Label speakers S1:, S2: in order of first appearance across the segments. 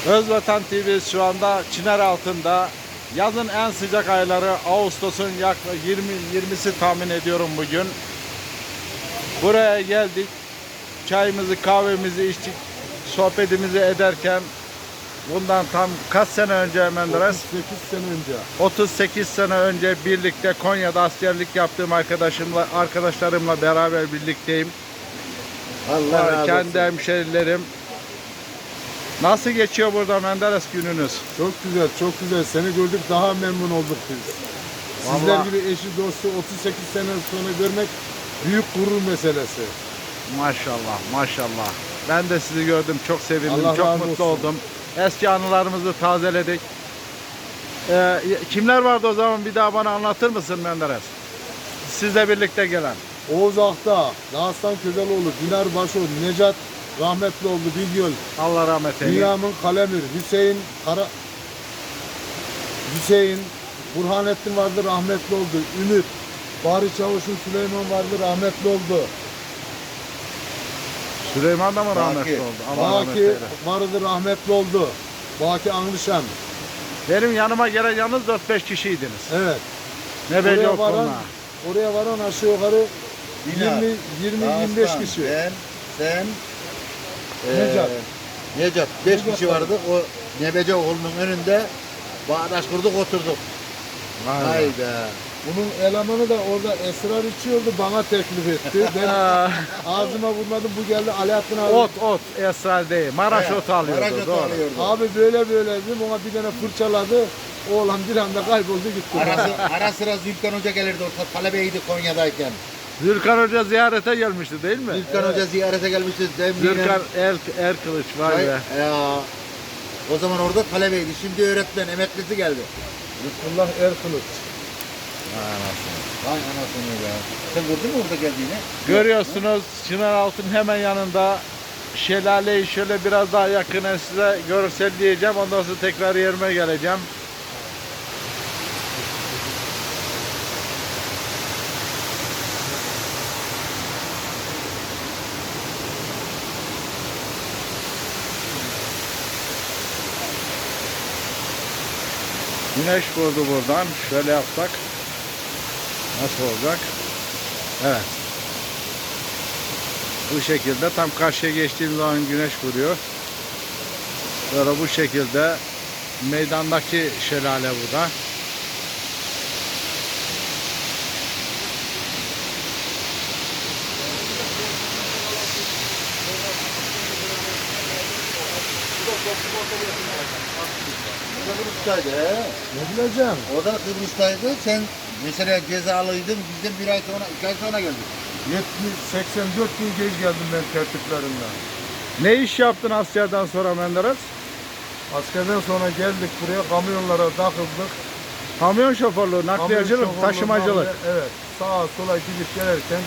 S1: Özvatan TV şu anda Çınar altında. Yazın en sıcak ayları Ağustos'un yaklaşık 20'si tahmin ediyorum bugün. Buraya geldik. Çayımızı, kahvemizi içtik. Sohbetimizi ederken bundan tam kaç sene önce Menderes?
S2: 38 sene önce.
S1: 38 sene önce birlikte Konya'da askerlik yaptığım arkadaşlarımla beraber birlikteyim.
S2: Allah razı olsun.
S1: Kendi hemşerilerim. Nasıl geçiyor burada Menderes gününüz?
S2: Çok güzel, çok güzel. Seni gördük, daha memnun olduk biz. Sizler
S1: Vallahi.
S2: gibi eşi dostu 38 sene sonra görmek büyük gurur meselesi.
S1: Maşallah, maşallah. Ben de sizi gördüm, çok sevindim,
S2: Allah
S1: çok
S2: razı
S1: mutlu
S2: olsun.
S1: oldum. Eski anılarımızı tazeledik. Kimler vardı o zaman, bir daha bana anlatır mısın Menderes? Sizle birlikte gelen.
S2: Oğuz Akta, Dağıstan Közeloğlu, Dinar Başo, Necat rahmetli oldu Bilgöl,
S1: Allah rahmet eylesin.
S2: Bünyamin Kalemir, Hüseyin, Burhanettin vardı, rahmetli oldu. Ümit, Bahri Çavuş'un Süleyman vardı, rahmetli oldu.
S1: Süleyman da mı rahmetli oldu? Allah rahmet
S2: Baki
S1: eylesin.
S2: vardı, rahmetli oldu. Baki Anglışan.
S1: Benim yanıma gelen yalnız 4-5 kişiydiniz.
S2: Evet.
S1: Ne belli yok
S2: varan,
S1: onunla.
S2: oraya varan aşağı yukarı
S3: Dinar,
S2: 20-25
S3: Dağıstan,
S2: kişi.
S3: sen,
S2: Necat.
S3: Necat. 5
S2: Necat
S3: kişi vardı. O Nebece oğlunun önünde bağdaş kurduk, oturduk.
S1: Vay be.
S3: Vay be.
S2: Bunun elemanı da orada esrar içiyordu, bana teklif etti. Ben ağzıma vurmadım, bu geldi Alaaddin abi.
S1: Ot, esrar değil. Maraş
S3: He,
S1: otu alıyordu.
S3: Maraş otu
S1: Doğru.
S3: alıyordu.
S2: Abi böyle dedim, ona bir tane fırçaladı. Oğlan bir anda kayboldu gitti.
S3: Ara sıra Zülkan Hoca gelirdi orta talebeydi Konya'dayken.
S1: Zülkan Hoca ziyarete gelmişti değil mi?
S3: Zülkan Hoca ziyarete gelmişti.
S1: Zülkan Erkılıç vay be.
S3: Ya. O zaman orada talebeydi. Şimdi öğretmen, emeklisi geldi.
S2: Lütfullah Erkılıç.
S3: Vay anasını ya. Sen gördün mü orada geldiğini?
S1: Görüyorsunuz Çınaraltı'nın hemen yanında şelaleyi şöyle biraz daha yakından size görselleyeceğim. Ondan sonra tekrar yerime geleceğim. Güneş vurdu buradan. Şöyle yapsak nasıl olacak? Evet. Bu şekilde tam karşıya geçtiğim zaman güneş vuruyor. Böyle bu şekilde meydandaki şelale bu da.
S3: O da Kıbrıs'taydı he.
S2: Ne bileceğim?
S3: O da Kıbrıs'taydı. Sen mesela cezalıydın. Bizden bir ay sonra, 2 ay sonra geldik.
S2: 84 gün geç geldim ben tertiplerimden.
S1: Ne iş yaptın askerden sonra Menderes?
S2: Askerden sonra geldik buraya, kamyonlara takıldık.
S1: Kamyon şoförlüğü, nakliyacılık,
S2: Kamyon
S1: taşımacılık.
S2: şoförlüğü, evet. Sağa sola gidip gelirken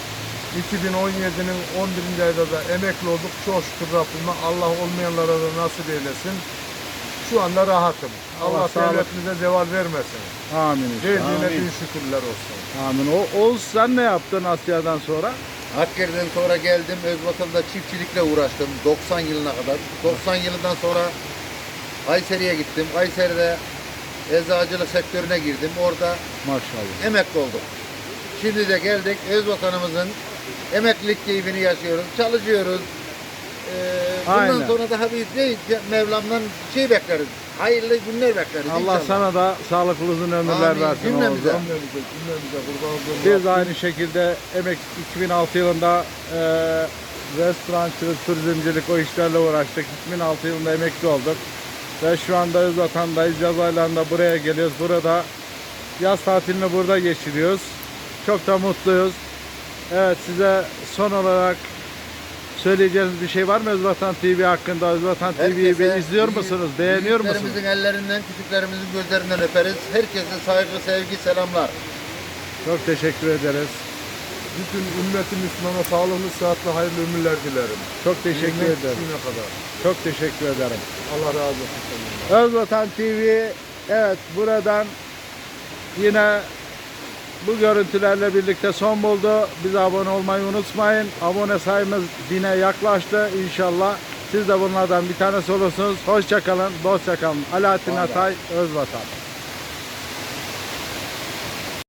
S2: 2017'nin 11. ayda da emekli olduk. Çok şükür Rabbime. Allah olmayanlara da nasip eylesin. Şu anda rahatım.
S1: Allah
S2: Allah
S1: sağlık.
S2: devletimize zeval vermesin.
S1: Amin inşallah.
S2: Verdiğine
S3: Amin.
S2: bin şükürler olsun.
S1: Amin. Oğuz sen ne yaptın askerden sonra?
S3: Askerden sonra geldim. Özvatan'da çiftçilikle uğraştım. 90 yılına kadar. 90 yılından sonra Kayseri'ye gittim. Kayseri'de eczacılık sektörüne girdim. Orada
S1: Maşallah.
S3: emekli olduk. Şimdi de geldik. Özvatanımızın emeklilik keyfini yaşıyoruz. Çalışıyoruz. Bundan
S1: Aynen.
S3: sonra daha bir Mevlam'dan şey bekleriz. Hayırlı günler bekleriz.
S1: Allah
S3: inşallah.
S1: sana da sağlıklı uzun ömürler
S3: Amin.
S1: versin
S3: Cümlemize.
S1: Oğuz'um.
S2: Cümlemize kurban olduğum
S1: Biz aynı şekilde 2006 yılında restorancılık, turizmcilik o işlerle uğraştık. 2006 yılında emekli olduk. Ve şu anda Özvatan'dayız. Yaz aylarında buraya geliyoruz. Burada yaz tatilini burada geçiriyoruz. Çok da mutluyuz. Evet, size son olarak söyleyeceğiniz bir şey var mı Özvatan TV hakkında? Özvatan TV'yi
S3: Herkese
S1: izliyor musunuz? Beğeniyor musunuz?
S3: büyüklerimizin ellerinden, küçüklerimizin gözlerinden öperiz. Herkese saygı, sevgi, selamlar.
S1: Çok teşekkür ederiz.
S2: bütün ümmeti Müslümana sağlıklı, sıhhatli, hayırlı ömürler dilerim.
S1: Çok teşekkür
S2: Ölmek
S1: ederim.
S2: içine kadar.
S1: Çok teşekkür ederim.
S2: Allah razı olsun senden.
S1: Özvatan TV, evet, buradan yine bu görüntülerle birlikte son buldu. Bize abone olmayı unutmayın. Abone sayımız 1000'e yaklaştı. İnşallah Siz de bunlardan bir tanesi olursunuz. Hoşça kalın, dostça kalın. Alaaddin
S3: Vallahi.
S1: Atay, Özvatan.